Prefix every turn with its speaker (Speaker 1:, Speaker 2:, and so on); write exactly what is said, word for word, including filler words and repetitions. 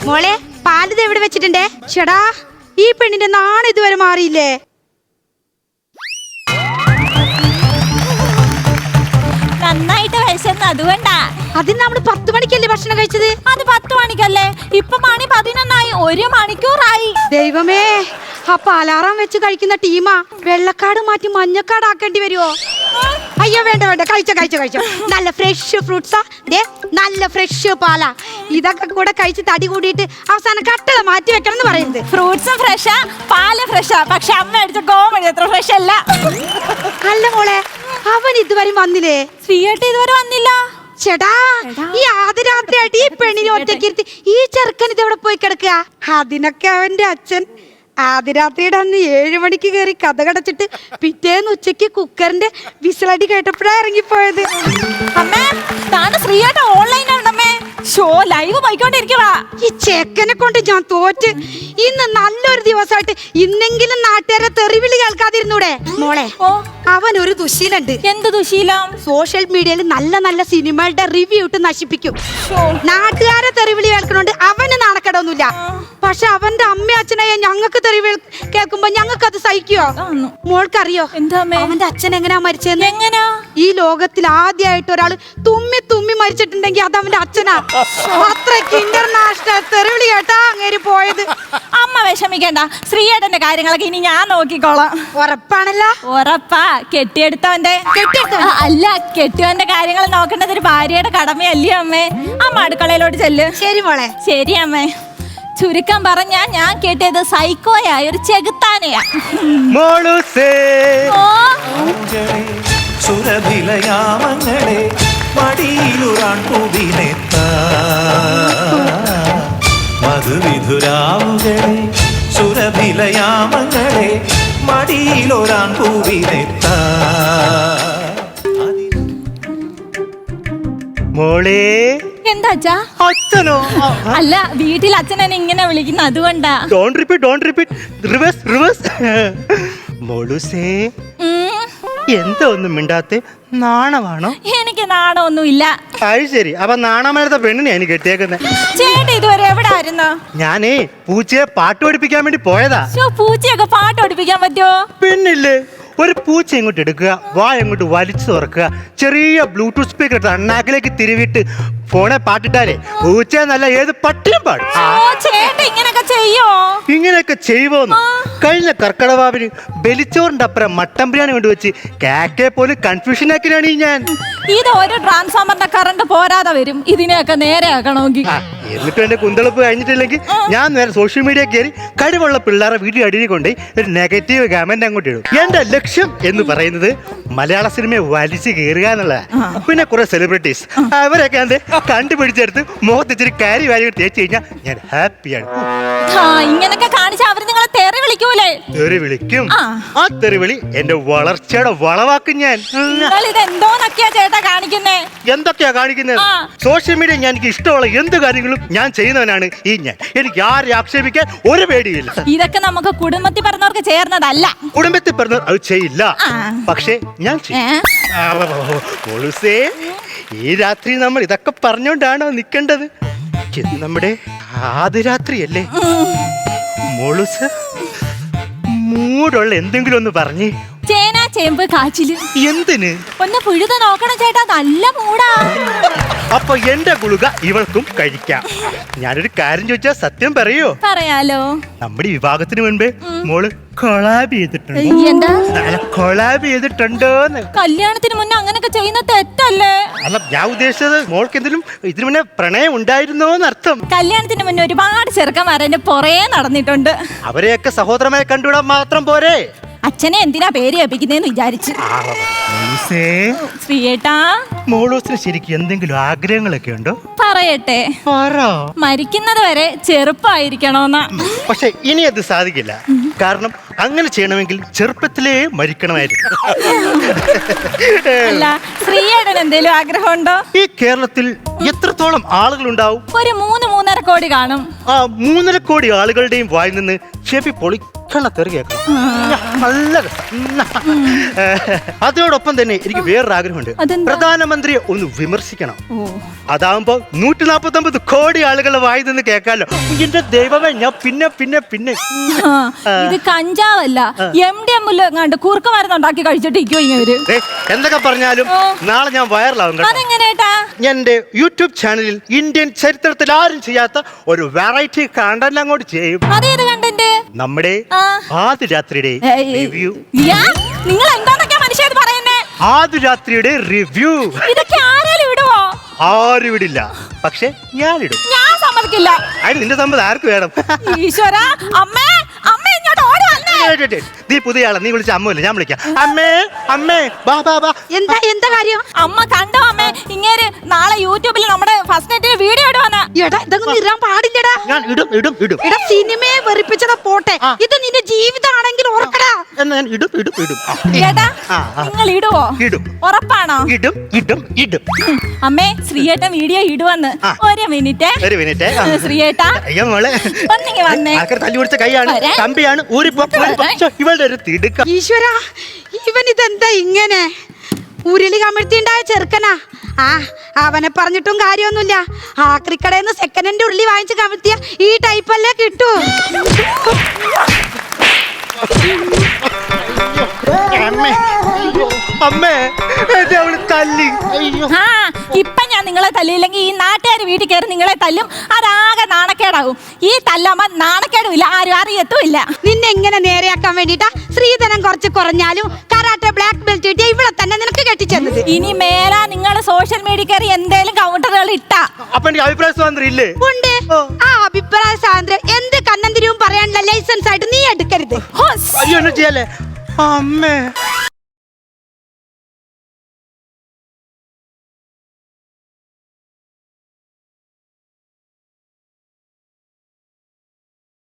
Speaker 1: മോളെ പാലിത് എവിടെ വെച്ചിട്ടുണ്ടേ? ചേടാ ഈ പെണ്ണിന്റെ നാണം ഇതുവരെ മാറിയില്ലേ?
Speaker 2: നന്നായിട്ട് വിശന്ന് അതുകൊണ്ടാ.
Speaker 1: അതിന് നമ്മള് പത്ത് മണിക്കല്ലേ ഭക്ഷണം കഴിച്ചത്?
Speaker 2: അത് പത്ത് മണിക്കല്ലേ? ഇപ്പൊ മണി പതിനൊന്നായി, ഒരു മണിക്കൂറായി.
Speaker 1: ദൈവമേ, അപ്പൊ അലാറം വെച്ച് കഴിക്കുന്ന ടീമാ വെള്ളക്കാട് മാറ്റി മഞ്ഞക്കാട് ആക്കേണ്ടി വരുമോ? അയ്യോ വേണ്ട വേണ്ട, കഴിച്ചോ കഴിച്ചോ കഴിച്ചോ. നല്ല ഫ്രഷ് ഫ്രൂട്ട്സാ, ദേ നല്ല ഫ്രഷ് പാലാ. ഇതൊക്കെ കൂടെ കഴിച്ച് തടി കൂടിയിട്ട് അവസാനം കട്ടള മാറ്റി വെക്കണം എന്ന് പറയുന്നത്.
Speaker 2: ഫ്രൂട്ട്സും ഫ്രഷാ, പാല് ഫ്രഷാ, പക്ഷെ അമ്മ അടിച്ച കോമഡി അത്ര ഫ്രഷ് അല്ല.
Speaker 1: അല്ല മോളെ, അവൻ ഇതുവരെ വന്നില്ലേ?
Speaker 2: ശ്രീയേട്ട ഇതുവരെ വന്നില്ല.
Speaker 1: ചേട്ടാ, ഈ ആദ്യരാത്രിയായിട്ട് ഈ പെണ്ണിനെ ഒറ്റയ്ക്കിരുത്തി ഈ ചെറുക്കൻ ഇതെവിടെ പോയി കിടക്കുക? അതിനൊക്കെ അവന്റെ അച്ഛൻ ആദ്യരാത്രിയുടെ അന്ന് ഏഴു മണിക്ക് കയറി കഥ കടച്ചിട്ട് പിറ്റേന്ന് ഉച്ചയ്ക്ക് കുക്കറിന്റെ വിസിലടി കേട്ടപ്പോഴാ ഇറങ്ങിപ്പോയത്.
Speaker 2: അമ്മേ, താന് ശ്രീയേട്ട ഓൺലൈനാണമ്മേ. Show live പോയിക്കൊണ്ടിരിക്കുവാ.
Speaker 1: ഈ ചെക്കനെ കൊണ്ട് ഞാൻ തോറ്റ്. ഇന്ന് നല്ലൊരു ദിവസമായിട്ട് ഇന്നെങ്കിലും നാട്ടുകാരെ തെറിവിളി കേൾക്കാതിരുന്നൂടെ? മോളെ, അവൻ ഒരു ദുശീലുണ്ട്.
Speaker 2: എന്ത് ദുശീലം?
Speaker 1: സോഷ്യൽ മീഡിയയിൽ നല്ല നല്ല സിനിമകളുടെ റിവ്യൂ ഇട്ട് നശിപ്പിക്കും. നാട്ടുകാരെ തെറിവിളി കേൾക്കണോണ്ട് അവന് നാണക്കേടൊന്നുമില്ല. പക്ഷെ അവന്റെ അമ്മ അച്ഛനായ ഞങ്ങൾക്ക് തെറിവിളി കേൾക്കുമ്പോ ഞങ്ങൾക്ക് അത് സഹിക്കോ? മോൾക്കറിയോ അവന്റെ അച്ഛൻ എങ്ങനെയാ മരിച്ചതെന്ന്?
Speaker 2: എങ്ങനാ?
Speaker 1: ഈ ലോകത്തിൽ ആദ്യമായിട്ട് ഒരാൾ തുമ്മി തുമ്മി മരിച്ചിട്ടുണ്ടെങ്കിൽ അത് അവന്റെ അച്ഛനാ. അത്രയ്ക്ക് ഇന്റർനാഷണൽ തെറിവിളി കേട്ടാ അങ്ങേര് പോയത്.
Speaker 2: അമ്മ വിഷമിക്കണ്ട, ശ്രീയേട്ടന്റെ കാര്യങ്ങളൊക്കെ ഇനി ഞാൻ നോക്കിക്കോളാം.
Speaker 1: ഉറപ്പാണല്ലോ?
Speaker 2: ഉറപ്പാ. കെട്ടിയെടുത്തവന്റെ അല്ല, കെട്ടിയവന്റെ കാര്യങ്ങൾ നോക്കേണ്ടത് ഒരു ഭാര്യയുടെ കടമയല്ലേ അമ്മേ? അമ്മ അടുക്കളയിലോട്ട് ചെല്ല്.
Speaker 1: ശരി മോളെ.
Speaker 2: ശരി അമ്മേ. ചുരുക്കം പറഞ്ഞാ ഞാൻ കേട്ടത് സൈക്കോയായ ഒരു ചെകുത്താനെയാ. ഓ
Speaker 3: സുരഭിലയാമങ്ങളെ മടിയിലുറാൻ പൂവിനെത്താ മധുവിധുരാവുകളെ സുരഭിലയാമങ്ങളെ മടിയിലൊരാൻ പൂവിനെത്താ.
Speaker 4: മോളെ
Speaker 2: എന്താ അച്ഛാ?
Speaker 4: അച്ഛനോ?
Speaker 2: അല്ല, വീട്ടിൽ അച്ഛൻ എന്നെ ഇങ്ങനെ വിളിക്കുന്ന അതുകൊണ്ടാ.
Speaker 4: Don't repeat don't repeat reverse reverse. മോളുസേ, എന്താ ഒന്നും മിണ്ടാത്തെ? നാണമാണോ?
Speaker 2: എനിക്ക് നാണമൊന്നുമില്ല.
Speaker 4: അത് ശരി. അപ്പൊ നാണമേലത്തെ പെണ്ണിനെ എനിക്ക് കെട്ടിയേക്കുന്നത്.
Speaker 2: ചേട്ടൻ ഇതുവരെ എവിടെ ആയിരുന്നു?
Speaker 4: ഞാനേ പൂച്ചയെ പാട്ട് പഠിപ്പിക്കാൻ വേണ്ടി പോയതാ.
Speaker 2: പൂച്ചയൊക്കെ പാട്ട് പഠിപ്പിക്കാൻ പറ്റുമോ?
Speaker 4: പെണ്ണില്ലേ, ഒരു പൂച്ച ഇങ്ങോട്ട് എടുക്കുക, വാ ഇങ്ങോട്ട് വലിച്ചു തുറക്കുക, ചെറിയ ബ്ലൂടൂത്ത് സ്പീക്കർ എടുത്ത് അണ്ണാക്കിലേക്ക് തിരിവിട്ട് ഫോണെ പാട്ടിട്ടാലേ പൂച്ച നല്ല ഏത് പട്ടിയും പാടും.
Speaker 2: ഇങ്ങനെയൊക്കെ ചെയ്യോ?
Speaker 4: ഇങ്ങനെയൊക്കെ ചെയ്യുമോന്ന് കഴിഞ്ഞ കർക്കടവാവിന് ബലിച്ചോറിന്റെ അപ്പുറം മട്ടൻ ബിരിയാണി കൊണ്ടുവച്ച് കാക്കെ പോലും കൺഫ്യൂഷൻ ആക്കിയാണ് ഞാൻ.
Speaker 2: ഇത് ഒരു ട്രാൻസ്ഫോമറിന്റെ കറണ്ട് പോരാതെ വരും ഇതിനെയൊക്കെ നേരെ ആക്കണമെങ്കിൽ.
Speaker 4: എന്നിട്ടും എന്റെ കുന്തളിപ്പ് കഴിഞ്ഞിട്ടില്ലെങ്കിൽ ഞാൻ നേരെ സോഷ്യൽ മീഡിയ കയറി കഴിവുള്ള പിള്ളേരെ വീട്ടിൽ അടിയിൽ കൊണ്ടുപോയി ഒരു നെഗറ്റീവ് കമന്റ് അങ്ങോട്ട് ഇടും. എന്റെ ലക്ഷ്യം എന്ന് പറയുന്നത് മലയാള സിനിമയെ വലിച്ചു കയറുക എന്നുള്ളതാണ്. പിന്നെ കുറെ സെലിബ്രിറ്റീസ് അവരൊക്കെ അത് കണ്ടുപിടിച്ചെടുത്ത് മുഖത്ത് ഇച്ചിരി കാരി വാരി തേച്ച് കഴിഞ്ഞാൽ ഞാൻ ഹാപ്പിയാണ്.
Speaker 2: ഇങ്ങനൊക്കെ കാണിച്ചാൽ അവർ നിങ്ങളെ തെറി വിളിക്കൂലേ?
Speaker 4: തെറി വിളിക്കും. ആ തെറി വിളി എന്റെ വളർച്ചയുടെ വളവാക്കും ഞാൻ.
Speaker 2: ഇതെന്തോന്നൊക്കെയാ ചേട്ടാ കാണിക്കുന്നേ?
Speaker 4: എന്തൊക്കെയാ കാണിക്കുന്നത്? സോഷ്യൽ മീഡിയ ഞാൻ എനിക്ക് ഇഷ്ടമുള്ള എന്ത് കാര്യങ്ങളും ഞാൻ ചെയ്യുന്നവനാണ് ഈ ഞാൻ. എനിക്ക് ആരെ ആക്ഷേപിക്കാൻ ഒരു പേടിയില്ല.
Speaker 2: ഇതൊക്കെ നമുക്ക് കുടുംബത്തിൽ പറഞ്ഞവർക്ക് ചേർന്നതല്ല.
Speaker 4: കുടുംബത്തിൽ പറഞ്ഞവർ അത് ചെയ്യില്ല, പക്ഷേ ഞാൻ ചെയ്യും. ഈ രാത്രി നമ്മൾ ഇതൊക്കെ പറഞ്ഞോണ്ടാണോ നിൽക്കേണ്ടത്? നമ്മുടെ ആദ്യ രാത്രിയല്ലേ മോളുസ്? മൂടുള്ള എന്തെങ്കിലും ഒന്ന് പറഞ്ഞേ.
Speaker 2: ചേന ചേമ്പ് കാച്ചില്.
Speaker 4: എന്തിന്?
Speaker 2: ഒന്ന് പുഴുത നോക്കണം ചേട്ടാ, നല്ല മൂടാ.
Speaker 4: അപ്പൊ എന്റെ ഗുളിക ഇവൾക്കും കഴിക്കാം. ഞാനൊരു കാര്യം ചോദിച്ചാ സത്യം പറയോ?
Speaker 2: പറയാലോ.
Speaker 4: നമ്മുടെ വിവാഹത്തിന് മുൻപേ മോള് കൊളാബ് ചെയ്തിട്ടുണ്ടോ?
Speaker 2: എന്താ
Speaker 4: കൊളാബ് ചെയ്തിട്ടുണ്ടോന്ന്?
Speaker 2: കല്യാണത്തിന് മുന്നേ അങ്ങനൊക്കെ ചെയ്യുന്ന തെറ്റല്ലേ?
Speaker 4: അല്ല, ഞാൻ ഉദ്ദേശിച്ചത് മോൾക്ക് എന്തെങ്കിലും ഇതിനു മുന്നേ പ്രണയം ഉണ്ടായിരുന്നോന്ന് അർത്ഥം.
Speaker 2: കല്യാണത്തിന് മുന്നേ ഒരുപാട് ചെറുക്കന്മാർ എന്റെ പുറകെ നടന്നിട്ടുണ്ട്.
Speaker 4: അവരെയൊക്കെ സഹോദരമായി കണ്ടുവിടാൻ മാത്രം പോരെ?
Speaker 2: അച്ഛനെ എന്തിനാ പേര് ഏൽപ്പിക്കുന്നേന്ന് വിചാരിച്ചു. ശ്രീയേട്ടാ,
Speaker 4: മോളൂസിന് ശരിക്കും എന്തെങ്കിലും ആഗ്രഹങ്ങളൊക്കെ ഉണ്ടോ?
Speaker 2: പറയട്ടെ. മരിക്കുന്നത് വരെ ചെറുപ്പമായിരിക്കണോന്നാ.
Speaker 4: പക്ഷെ ഇനി അത് സാധിക്കില്ല. കാരണം അങ്ങനെ ചെയ്യണമെങ്കിൽ ചെറുപ്പത്തിലേ മരിക്കണമായിരുന്നു.
Speaker 2: അല്ല, ശ്രീയേട്ടൻ എന്തേലും ആഗ്രഹമുണ്ടോ?
Speaker 4: ഈ കേരളത്തിൽ എത്രത്തോളം ആളുകൾ ഉണ്ടാവും?
Speaker 2: ഒരു മൂന്ന് മൂന്നര കോടി കാണും.
Speaker 4: ആ മൂന്നര കോടി ആളുകളുടെയും വായിൽ നിന്ന് ചെവി പൊളി പത്തെണ്ണ തെറി കേൾക്കണം. നല്ല രസം. അതോടൊപ്പം തന്നെ എനിക്ക് വേറൊരു ആഗ്രഹമുണ്ട്.
Speaker 2: അതെന്താ?
Speaker 4: പ്രധാനമന്ത്രിയെ ഒന്ന് വിമർശിക്കണം. അതാവുമ്പോ നൂറ്റി നാപ്പത്തി ഒമ്പത് കോടി ആളുകളെ വായി നിന്ന് കേൾക്കാലോ. എന്റെ ദൈവമേ, ഞാൻ പിന്നെ പിന്നെ പിന്നെ
Speaker 2: ആ, ഇത് കഞ്ചാവല്ല, എം ഡി എം എങ്ങാണ്ട് കൂർക്ക മരുന്നുണ്ടാക്കി കഴിച്ചിട്ടിരിക്കോ ഇവര്.
Speaker 4: ദേ, എന്തൊക്കെ പറഞ്ഞാലും
Speaker 2: ഓ.
Speaker 4: നാളെ ഞാൻ വൈറലാവും കേട്ടോ.
Speaker 2: അതെങ്ങനെയാട്ടാ?
Speaker 4: എന്റെ യൂട്യൂബ് ചാനലിൽ ഇന്ത്യൻ ചരിത്രത്തിൽ ആരും ചെയ്യാത്ത ഒരു വെറൈറ്റി കണ്ടന്റ് അങ്ങോട്ട് ചെയ്യും.
Speaker 2: അതേത് കണ്ടന്റ്?
Speaker 4: നമ്മുടെ
Speaker 2: ആ.
Speaker 4: ആദിരാത്രിയുടെ റിവ്യൂ.
Speaker 2: നിങ്ങൾ എന്താന്നൊക്കെയാ മനുഷ്യത് പറയുന്നേ?
Speaker 4: ആദിരാത്രിയുടെ റിവ്യൂ
Speaker 2: ഇതൊക്കെ ആരാലും ഇടുവോ?
Speaker 4: ആരും ഇടില്ല, പക്ഷെ ഞാനിടും.
Speaker 2: ഞാൻ സമ്മതിക്കില്ല.
Speaker 4: അതിന് നിന്റെ സമ്മതം ആർക്ക് വേണം?
Speaker 2: ഈശ്വര, അമ്മേ അമ്മേ ഇങ്ങോട്ട് ഓടി വന്നേ.
Speaker 4: നീ പുതിയ ആളെ, നീ വിളിച്ച അമ്മല്ലേ, ഞാൻ വിളിക്കാം. അമ്മേ അമ്മേ ബാ ബാ ബാ.
Speaker 1: എന്താ എന്താ കാര്യം?
Speaker 2: അമ്മ കണ്ടോ അമ്മേ, ഇങ്ങേര് നാളെ യൂട്യൂബിൽ നമ്മുടെ ഫസ്റ്റ് നൈറ്റിന് വീഡിയോ ഇടുവന്ന്.
Speaker 1: എടാ ഇതൊന്നും ഇറാൻ പാടില്ലടാ.
Speaker 4: ഞാൻ ഇടും ഇടും ഇടും.
Speaker 1: എടാ സിനിമയെ വെറുപ്പിച്ചതാ പോട്ടെ, ഇത് നിന്റെ ജീവിതമാണെങ്കിൽ ഓർക്കടാ.
Speaker 4: എന്നാ ഞാൻ ഇടും ഇടും ഇടും. ആ,
Speaker 2: ഏട്ടാ
Speaker 4: ആ, ആ.
Speaker 2: നിങ്ങൾ ഇടുവോ?
Speaker 4: ഇടും.
Speaker 2: ഉറപ്പാണോ?
Speaker 4: ഇടും ഇടും ഇടും.
Speaker 2: അമ്മേ ശ്രീയേട്ടൻ വീഡിയോ ഇടുവന്ന്.
Speaker 4: ആ.
Speaker 2: ഒരു മിനിറ്റ്.
Speaker 4: ഒരു മിനിറ്റ്.
Speaker 2: ശ്രീയേട്ടാ
Speaker 4: അയ്യോ മോളെ,
Speaker 2: ഒന്നിങ്ങി വന്നേ.
Speaker 4: ആൾക്കാർ തല്ലി പിടിച്ച കൈയാണ്,
Speaker 2: വരാൻ.
Speaker 4: കമ്പിയാണ്, ഊരിപ്പോ ഊരിപ്പോ. ശ്ശോ, ഇവളുടെ ഒരു തിടുക്കം.
Speaker 1: ഈശ്വര, ഇവൻ ഇതെന്താ ഇങ്ങനെ? ഉരുളി കമിഴ്ത്തിണ്ടായ ചെറുക്കനാ. ആ അവനെ പറഞ്ഞിട്ടും കാര്യമൊന്നുമില്ല. ആക്രിക്കടയിൽ സെക്കൻഡ് ഹാൻഡ് ഉരുളി വാങ്ങിച്ച് കമിഴ്ത്തിയ ഈ ടൈപ്പല്ലേ കിട്ടൂ.
Speaker 4: അമ്മേ അമ്മേ, എന്നെ അവള് തല്ലി. അയ്യോ.
Speaker 2: ആ ഇപ്പൊ ഞാൻ നിങ്ങളെ തല്ലിയില്ലെങ്കിൽ ഈ നാട്ടുകാർ വീട്ടിൽ കയറി നിങ്ങളെ തല്ലും. അതാകെ നാണക്കേടാവും. ഈ തല്ലമ്മ നാണക്കേടും ഇല്ല, ആരും അറിയത്തുമില്ല.
Speaker 1: നിന്നെ എങ്ങനെ നേരെയാക്കാൻ വേണ്ടിട്ടാ ശ്രീധനം കുറച്ച് കുറഞ്ഞാലും കരാട്ടെ ബ്ലാക്ക് ബെൽറ്റ് കിട്ടിയ ഇവിടെ തന്നെ നിനക്ക് കെട്ടിച്ചെന്നത്.
Speaker 2: ഇനി മേലാ നിങ്ങൾ സോഷ്യൽ മീഡിയ കയറി എന്തേലും കൗണ്ടറുകൾ ഇട്ടാ
Speaker 4: അപ്പൊ എനിക്ക് അഭിപ്രായ സ്വാതന്ത്ര്യം ഇല്ലേ?
Speaker 1: ഉണ്ട്. ആ അഭിപ്രായ സ്വാതന്ത്ര്യം എന്ത് കണ്ണന്തിരിവും പറയാനുള്ള ലൈസൻസ് ആയിട്ട് നീ എടുക്കരുത്.
Speaker 2: ഹോസ്.
Speaker 4: അയ്യോ, എന്നെ ചെയ്യല്ലേ അമ്മേ.